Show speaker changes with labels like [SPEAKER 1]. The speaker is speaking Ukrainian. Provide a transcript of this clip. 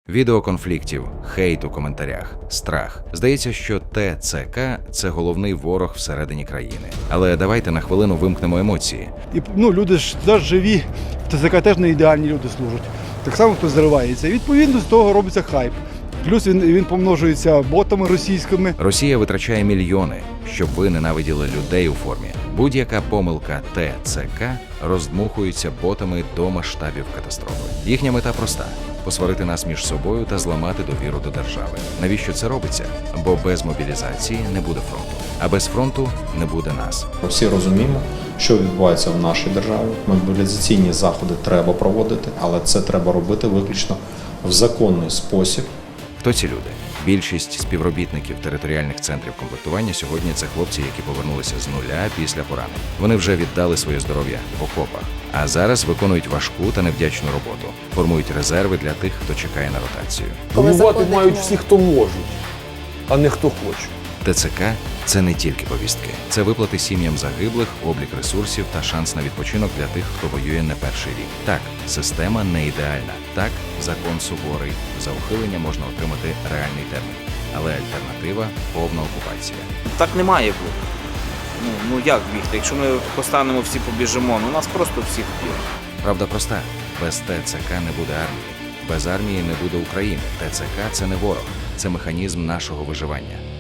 [SPEAKER 1] Відео конфліктів, хейт у коментарях, страх. Здається, що ТЦК – це головний ворог всередині країни. Але давайте на хвилину вимкнемо емоції.
[SPEAKER 2] І люди ж теж живі, в ТЦК теж не ідеальні люди служать. Так само хтось заривається. І відповідно з того робиться хайп. Плюс він помножується ботами російськими.
[SPEAKER 1] Росія витрачає мільйони, щоб ви ненавиділи людей у формі. Будь-яка помилка ТЦК роздмухується ботами до масштабів катастрофи. Їхня мета проста – посварити нас між собою та зламати довіру до держави. Навіщо це робиться? Бо без мобілізації не буде фронту. А без фронту не буде нас.
[SPEAKER 3] Всі розуміємо, що відбувається в нашій державі. Мобілізаційні заходи треба проводити, але це треба робити виключно в законний спосіб.
[SPEAKER 1] Хто ці люди? Більшість співробітників територіальних центрів комплектування сьогодні – це хлопці, які повернулися з нуля після поранень. Вони вже віддали своє здоров'я в окопах, а зараз виконують важку та невдячну роботу, формують резерви для тих, хто чекає на ротацію.
[SPEAKER 4] Воювати мають всі, хто можуть, а не хто хоче.
[SPEAKER 1] ТЦК – це не тільки повістки. Це виплати сім'ям загиблих, облік ресурсів та шанс на відпочинок для тих, хто воює не перший рік. Так, система не ідеальна. Так, закон суворий. За ухилення можна отримати реальний термін. Але альтернатива – повна окупація.
[SPEAKER 5] Так не має бути. Ну як бігти? Якщо ми постанемо всі побіжимо, нас просто всіх вб'ють.
[SPEAKER 1] Правда проста. Без ТЦК не буде армії. Без армії не буде України. ТЦК – це не ворог. Це механізм нашого виживання.